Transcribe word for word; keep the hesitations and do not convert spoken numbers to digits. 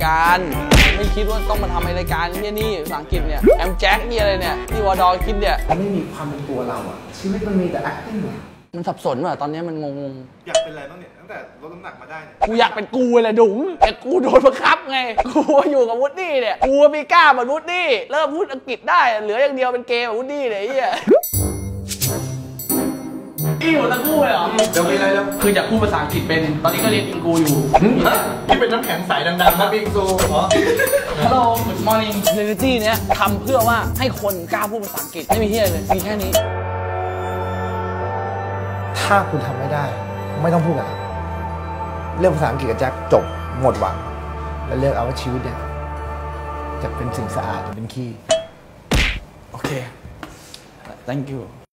การไม่คิดว่าต้องมาทำรายการนี่นี่ภาษาอังกฤษเนี่ยแอมแจ็คนี่อะไรเนี่ยที่วอดอคิดเนี่ยไม่มีความเป็นตัวเราอะชีวิตมันมีแต่ acting มันสับสนว่ะตอนนี้มันงงอยากเป็นอะไรบ้างเนี่ยตั้งแต่ลดน้ำหนักมาได้เนี่ยกูอยากเป็นกูเลยดุ๋งแต่กูโดนบังคับไงกูอยู่กับวูดดี้เนี่ยกูมีกล้าเหมือนวูดดี้เริ่มพูดอังกฤษได้เหลืออย่างเดียวเป็นเกย์แบบวูดดี้เลยไอ้เหี้ยอีหัวตะกู้เลยเหรอเดี๋ยวมีอะไรแล้วคืออยากพูดภาษาอังกฤษเป็นตอนนี้ก็เรียนอิงกูอยู่ที่เป็นน้ำแข็งใสดังๆนะบิงซูเหรอ Hello Good Morning Reality เนี้ยทำเพื่อว่าให้คนกล้าพูดภาษาอังกฤษไม่มีที่อะไรเลยมีแค่นี้ถ้าคุณทำไม่ได้ไม่ต้องพูดอะไรเรื่องภาษาอังกฤษกับแจ็คจบหมดหวังแล้วเลือกเอาว่าชีวิตเนี่ยจะเป็นสิ่งสะอาดจะเป็นขี้โอเค thank you